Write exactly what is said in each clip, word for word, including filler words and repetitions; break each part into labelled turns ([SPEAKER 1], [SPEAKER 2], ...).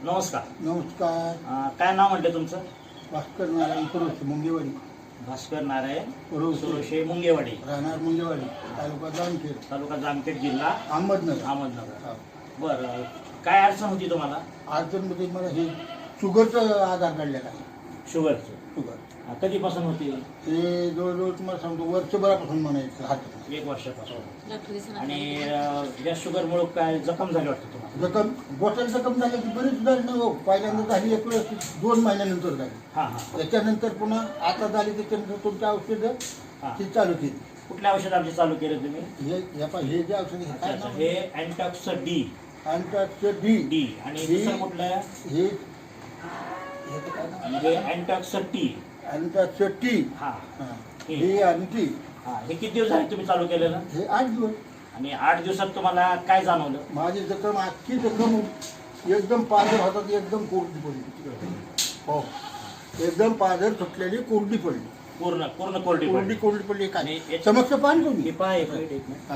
[SPEAKER 1] नमस्कार.
[SPEAKER 2] नमस्कार.
[SPEAKER 1] अं, काय नाव म्हटलं तुमचं?
[SPEAKER 2] भास्कर नारायण पुरोशे मुंगेवाडी.
[SPEAKER 1] भास्कर नारायण
[SPEAKER 2] पुरोशे
[SPEAKER 1] सुरोशे मुंगेवाडी,
[SPEAKER 2] राहणार मुंगेवाडी, तालुका जामखेड,
[SPEAKER 1] तालुका जामखेड, जिल्हा
[SPEAKER 2] अहमदनगर.
[SPEAKER 1] अहमदनगर.
[SPEAKER 2] हा.
[SPEAKER 1] बरं, काय अडचण होती तुम्हाला?
[SPEAKER 2] अडचणमध्ये मला हे शुगरचं आधार काढलेला आहे.
[SPEAKER 1] शुगरचं
[SPEAKER 2] शुगर
[SPEAKER 1] अं, कधीपासून होती?
[SPEAKER 2] हे जवळजवळ तुम्हाला सांगतो वर्षभरापासून म्हणायचं हात
[SPEAKER 1] एक वर्षापासून. आणि अं, या शुगरमुळे काय जखम झाली वाटतं तुम्हाला?
[SPEAKER 2] जखम गोट्याला जखम झाली की बरीच झाली नाही हो. पहिल्यांदा झाली एक वेळेस दोन महिन्यानंतर झाली.
[SPEAKER 1] हां हां
[SPEAKER 2] त्याच्यानंतर पुन्हा आता झाली त्याच्यानंतर तुमची औषधं
[SPEAKER 1] हां.
[SPEAKER 2] ती चालू केली.
[SPEAKER 1] कुठल्या औषध आमचे चालू केले तुम्ही?
[SPEAKER 2] हे हे पहा, हे जे औषध
[SPEAKER 1] अच्छा अच्छा, हे अँटॉक्स डी
[SPEAKER 2] अँटॉक्स डी
[SPEAKER 1] डी आणि
[SPEAKER 2] डी.
[SPEAKER 1] दुसरं कुठलं आहे?
[SPEAKER 2] हे ह्याचं काय नाव?
[SPEAKER 1] आणि हे अँटॉक्स टी.
[SPEAKER 2] अँटॉक्स टी.
[SPEAKER 1] हां
[SPEAKER 2] हा.
[SPEAKER 1] हे.
[SPEAKER 2] हे आणि टी.
[SPEAKER 1] हां, हे किती दिवस झाले तुम्ही चालू केलेलं?
[SPEAKER 2] हे आठ दिवस.
[SPEAKER 1] आणि आठ दिवसात तुम्हाला काय जाणवलं?
[SPEAKER 2] माझी जखम आजची जखम एकदम पाझर होतात, एकदम कोरडी पडली. हो, एकदम पाझर सुटलेली कोरडी पडली.
[SPEAKER 1] पूर्ण पूर्ण कोरडी
[SPEAKER 2] कोरडी
[SPEAKER 1] पडली.
[SPEAKER 2] कोरडी पडली.
[SPEAKER 1] आणि
[SPEAKER 2] काय
[SPEAKER 1] याच्या-
[SPEAKER 2] समक्ष पान
[SPEAKER 1] हे
[SPEAKER 2] तुम्ही
[SPEAKER 1] पहा, एक मिनिट, एक मिनिट.
[SPEAKER 2] हा.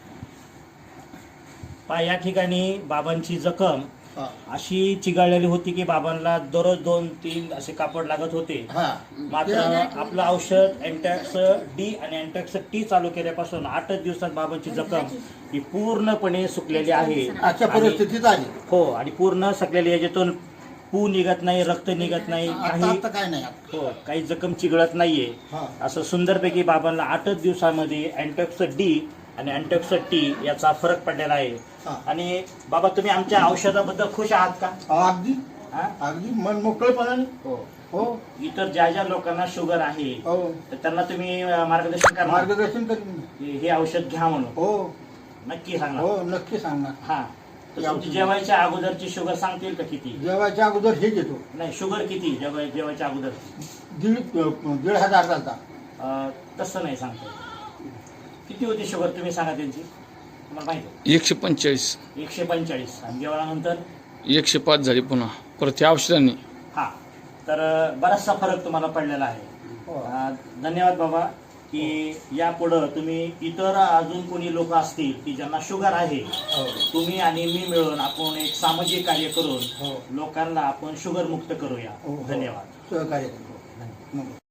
[SPEAKER 1] पहा, या ठिकाणी बाबांची जखम
[SPEAKER 2] हा.
[SPEAKER 1] अशी चिघळलेली होती की बाबांना दररोज दोन तीन असे कापड लागत होते.
[SPEAKER 2] हा.
[SPEAKER 1] मात्र आपलं औषध अँटॅक्स डी आणि अँटॅक्स टी चालू केल्यापासून आठच दिवसात बाबांची जखम ही पूर्णपणे सुकलेली आहे.
[SPEAKER 2] अशा
[SPEAKER 1] आणि-
[SPEAKER 2] परिस्थितीत आली.
[SPEAKER 1] हो, आणि पूर्ण सगळ्या याच्यातून पू निघत नाही, रक्त निघत नाही,
[SPEAKER 2] आता
[SPEAKER 1] काही
[SPEAKER 2] आता काय नाही आता.
[SPEAKER 1] हो काही जखम चिघळत नाहीये.
[SPEAKER 2] हा.
[SPEAKER 1] असं सुंदरपैकी बाबांना आठच दिवसामध्ये अँटॉक्स डी आणि अँटॉक्स टी याचा फरक पडलेला आहे.
[SPEAKER 2] हा.
[SPEAKER 1] आणि बाबा, तुम्ही आमच्या औषधाबद्दल खुश आहात का?
[SPEAKER 2] अगदी
[SPEAKER 1] हा?
[SPEAKER 2] अगदी मन मोकळेपणाने.
[SPEAKER 1] हो.
[SPEAKER 2] हो
[SPEAKER 1] इतर ज्या ज्या लोकांना शुगर आहे
[SPEAKER 2] हो
[SPEAKER 1] तर त्यांना तुम्ही अं, मार्गदर्शन करणार
[SPEAKER 2] मार्गदर्शन करीन.
[SPEAKER 1] हे हे औषध घ्या म्हणून?
[SPEAKER 2] हो
[SPEAKER 1] नक्की सांगणार?
[SPEAKER 2] हो नक्की सांगणार.
[SPEAKER 1] हा. तर तुमची जेवायच्या अगोदरची शुगर सांगतील का किती?
[SPEAKER 2] जेवायच्या अगोदर हे घेतो.
[SPEAKER 1] नाही, शुगर किती जेवाय जेवायच्या अगोदर?
[SPEAKER 2] दीड दीड हजार चालता.
[SPEAKER 1] अं, तसं नाही सांगता येत. किती होती शुगर तुम्ही सांगा त्यांची, तुम्हाला माहिती आहे?
[SPEAKER 3] एकशे पंचेचाळीस
[SPEAKER 1] एकशे पंचेचाळीस. आणि जेवणानंतर
[SPEAKER 3] एकशे पाच झाली पुन्हा परत या औषधांनी.
[SPEAKER 1] हा. तर अं, बराचसा फरक तुम्हाला पडलेला आहे.
[SPEAKER 2] हो.
[SPEAKER 1] अं, धन्यवाद बाबा, की यापुढं तुम्ही इतर अजून कोणी लोक असतील की ज्यांना शुगर आहे,
[SPEAKER 2] हो.
[SPEAKER 1] तुम्ही आणि मी मिळून आपण एक सामाजिक कार्य
[SPEAKER 2] हो.
[SPEAKER 1] करून लोकांना आपण शुगर मुक्त करूया.
[SPEAKER 2] हो, हो.
[SPEAKER 1] धन्यवाद.
[SPEAKER 2] सहकार्य करतो.
[SPEAKER 1] धन्यवाद.
[SPEAKER 2] नमस्कार.